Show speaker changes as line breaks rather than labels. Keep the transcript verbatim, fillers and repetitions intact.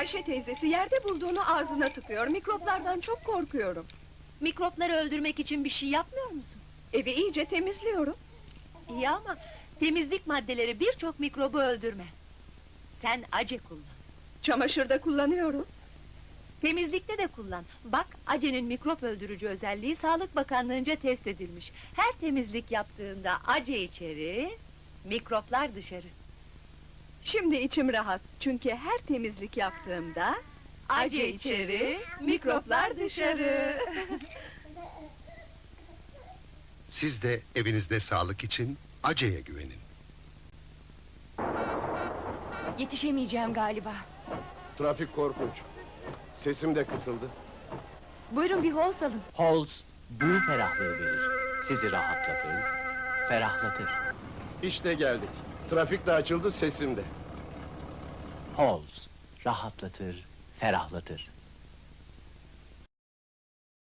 Ayşe teyzesi yerde bulduğunu ağzına tıkıyor. Mikroplardan çok korkuyorum.
Mikropları öldürmek için bir şey yapmıyor musun?
Evi iyice temizliyorum.
İyi ama temizlik maddeleri birçok mikrobu öldürmez. Sen ace kullan.
Çamaşırda kullanıyorum.
Temizlikte de kullan. Bak, acenin mikrop öldürücü özelliği Sağlık Bakanlığı'nca test edilmiş. Her temizlik yaptığında ace içeri, mikroplar dışarı.
Şimdi içim rahat. Çünkü her temizlik yaptığımda ace içeri, mikroplar dışarı.
Siz de evinizde sağlık için Ace'ye güvenin.
Yetişemeyeceğim galiba.
Trafik korkunç. Sesim de kısıldı.
Buyurun bir hol salın.
Halls bu ferahlığı verir. Sizi rahatlatır, ferahlatır.
İşte geldik. Trafik de açıldı, sesim de.
Halls rahatlatır, ferahlatır.